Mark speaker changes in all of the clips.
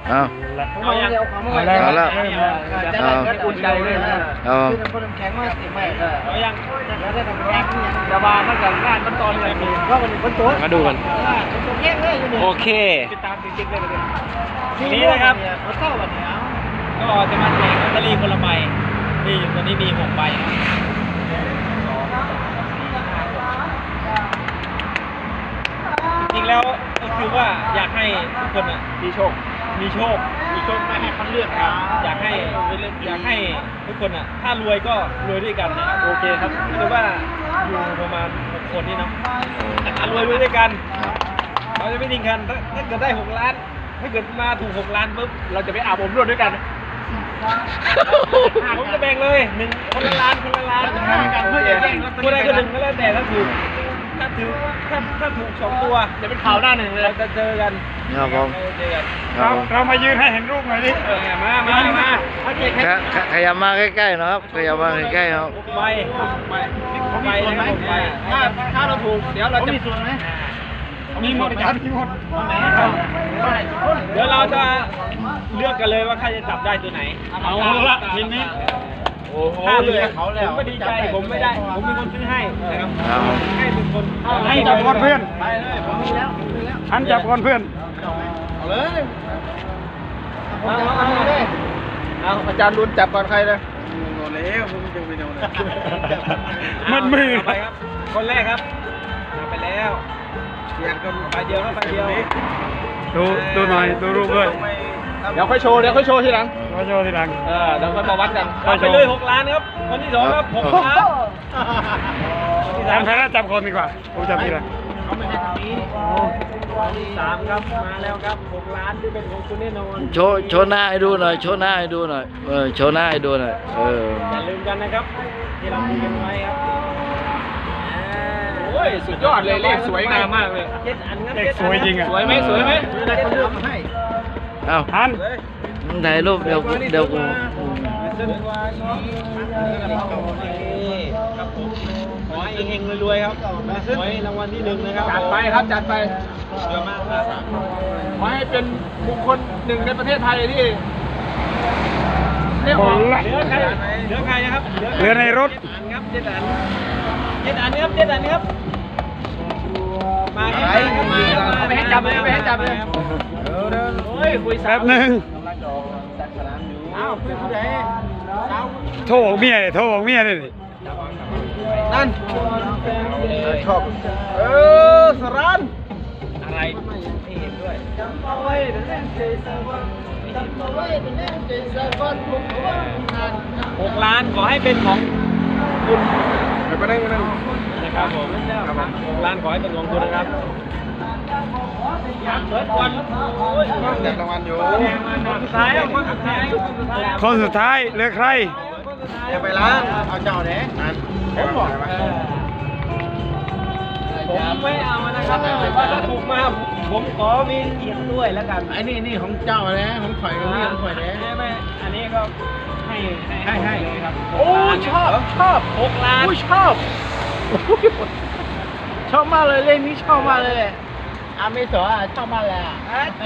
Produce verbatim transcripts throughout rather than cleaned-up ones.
Speaker 1: เอา
Speaker 2: เอาอย่างเอาแล้ว
Speaker 1: เอาแล้ว
Speaker 2: จะได้ก็อุ่นใจเลยนะ
Speaker 1: เอา
Speaker 2: คือคนแข็งมากสิไม่เอาอย่างแล้วได้ทำแข็งระบาดมันกับงานมันตอนเลยมีเพราะมันคนตัว
Speaker 3: มาดูกัน
Speaker 2: แข็งเลยอยู่นี่
Speaker 3: โอเค
Speaker 2: ติดตามจริงๆเลยนี่นะครับเขาเข้าวันนี้ก็จะมาแจกลอตเตอรี่คนละใบนี่อยู่ตอนนี้มีหกใบจริงแล้วก็คือว่าอยากให้ทุกคนอ่ะมีโชคมีโชคมีโชคไม่ให้เขาเลือกครับอยากให้อยากให้ทุกคนอ่ะถ้ารวยก็รวยด้วยกันนะครับโอเคครับคือว่าอยู่ประมาณหกคนนี่เนาะถ้ารวยรวยด้วยกันเราจะไม่ทิ้งกันถ้าถ้าเกิดได้หกล้านถ้าเกิดมาถูกหกล้านปุ๊บเราจะไปอาบอบนวดด้วยกันผมจะแบ่งเลยหนึ่งคนละล้านคนละล้านเพื่อจะแย่งคนใดคนหนึ่งก็แล้วแต่ถ้าถูกถ้าถูกถ้าถ้าถูกสองตัวจะเป็นข่าวหน้าหนึ่งเลยเราจะเจอกัน
Speaker 1: ครับผม
Speaker 2: เจอกัน
Speaker 1: เรา
Speaker 2: เรามายืนให้เห็นรูปหน่อยดิมามามาโอเค
Speaker 1: ขยับมาใกล้ๆนะครับขยับมาใกล้ๆครับ
Speaker 2: ไปไปไปไปถ้าถ้าเราถูกเดี๋ยวเราจะมีส่วนไหมมีหมดอาจารย์มีหมดเดี๋ยวเราจะเลือกกันเลยว่าใครจะจับได้ตัวไหนเอาละทีนี้โอ้โหเลยเขาแล้วผมไม่ดีใจผมไม่ได้ผมมีคนซื้อให้นะครับให้เป็นคนให้จับก่อนเพื่อนไปเลยผมมีแล้วฉันจับก่อนเพื่อนเอาเลยเอาเอาเลยเอาอาจารย์รุนจับก่อนใครเลยโดนแล้วผมจะไปโดนมันมือไปครับคนแรกครับไปแล้วเดียวก็ไปเดียวก็ไปเดียวดูดูหน่อยดูรูปด้วยเดี๋ยวค่อยโชว์เดี๋ยวค่อยโชว์ทีหลังค่อยโชว์ทีหลังเออเดี๋ยวค่อยมาวัดกันไปเลยหกล้านครับคนที่สองครับหกล้านจำใครน่าจำคนดีกว่าผมจำทีหลังเขาไม่ให้ทำนี้สามครับมาแล้วครับหกล้านที่เป็นของคุณแน่นอน
Speaker 1: โชว์โชว์หน้าให้ดูหน่อยโชว์หน้าให้ดูหน่อยเออโชว์หน้าให้ดูหน่อยเออ
Speaker 2: อย่าลืมกันนะครับที่เราคุยกันไว้ครับโอ้ยสุดยอดเลยเลขสวยงามมากเลยเลขสวยจริงอ่ะสวยไหมสวยไหมได้เขาเลือกมาให้
Speaker 1: เอ้า
Speaker 2: ทัน
Speaker 1: ถ่ายรูปเดี๋ยวเดี๋ยวกู
Speaker 2: ขอให้เฮงๆรวยๆครับขอให้รางวัลที่หนึ่งนะครับจัดไปครับจัดไปเยอะมากครับขอให้เป็นบุคคลหนึ่งในประเทศไทยที่เรียกว่าเหลือใครเหลือใครนะครับเหลือในรถครับเจ็ดอันเจ็ดอันครับเจ็ดอันครับมาครับไม่ให้จับเลยไม่ให้จับเลยโอ้ยคุยแป๊บหนึ่งอ้าวคุยผู้ใดโทรบอกเมียเลยโทรบอกเมียเลยนั่นชอบเออสรันอะไรไม่เห็นด้วยจำเอาไว้เป็นเรื่องเจสันจำเอาไว้เป็นเรื่องเจสันหกล้านขอให้เป็นของคุณไปนั่งไปนั่งนะครับผมหกล้านขอให้เป็นของคุณนะครับเปิดก่อนแจกรางวัลอยู่คนสุดท้ายคนสุดท้ายคนสุดท้ายเหลือใครจะไปล้างเอาเจ้าเด้นั่นผมบอกผมไม่เอานะครับว่าถ้าถูกมาผมขอมีเกียรติด้วยแล้วกันไอ้นี่นี่ของเจ้านะของข่อยกับนี่ของข่อยนะไม่อันนี้ก็ให้ให้ให้ครับโอ้ชอบชอบหกล้านโอ้ชอบชอบมากเลยเล่นนี้ชอบมากเลยอาไม่สวยชอบมากเลยอ่ะ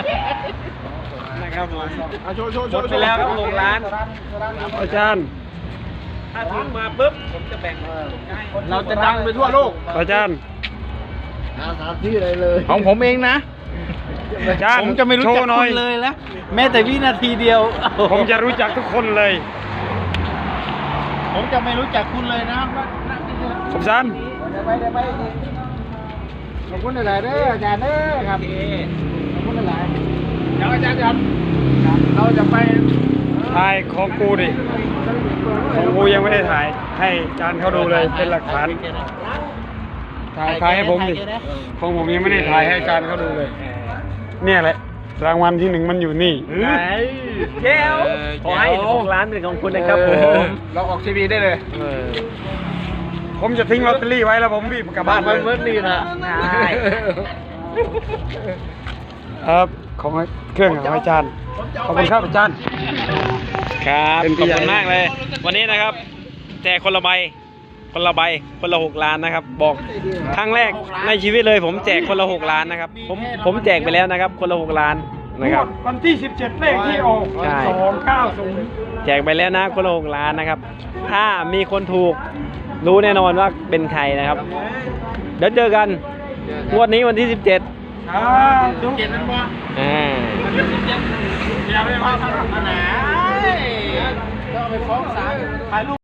Speaker 2: นะครับผมโชว์โชว์โชว์ไปแล้วครับหกล้านอาจารย์ถ้าถึงมาปุ๊บผมจะแบ่งเราจะดังไปทั่วโลกอาจารย์
Speaker 1: หาสามที่อะไรเลย
Speaker 2: ของผมเองนะผมจะไม่รู้จักคุณเลยนะแม้แต่วินาทีเดียวผมจะรู้จักทุกคนเลยผมจะไม่รู้จักคุณเลยนะขอบคุณขอบคุณหลายๆเด้ออาจารย์เด้อครับขอบคุณหลายๆเดี๋ยวอาจารย์ครับเราจะไปถ่ายของกูดิของกูยังไม่ได้ถ่ายให้อาจารย์เขาดูเลยเป็นหลักฐานถ่ายถ่ายให้ผมดิของผมยังไม่ได้ถ่ายให้อาจารย์เขาดูเลยเนี่ยแหละรางวัลที่หนึ่งมันอยู่นี่เจ้าขอให้หกล้านเป็นของคุณนะครับผมเราออกทีวีได้เลยผมจะทิ้งลอตเตอรี่ไว้แล้วผมรีบกลับบ้านเลยเมื่อนี้นะใช่ครับของเครื่องของอาจารย์ขอบคุณครับอาจารย์ครับขอบคุณมากเลยวันนี้นะครับแจกคนละใบคนละใบคนละหกล้านนะครับบอกครั้งแรกในชีวิตเลยผมแจกคนละหกล้านนะครับผมผมแจกไปแล้วนะครับคนละหกล้าน
Speaker 3: นะครับ
Speaker 2: วันที่สิบเจ็ดเลขที่ออก
Speaker 3: ใช่
Speaker 2: สองเก้าศูนย์
Speaker 3: แจกไปแล้วนะคนละหกล้านนะครับ ถ้ามีคนถูกรู้แน่นอนว่าเป็นใครนะครับ เดี๋ยวเจอกันงวดนี้วันที่สิบเจ็ด
Speaker 2: อ่าดูเจ็ดนั่นบ่
Speaker 3: อ่า
Speaker 2: อย่าไปว่าทางไหนต้องไปฟ้องศาลถ่ายรูป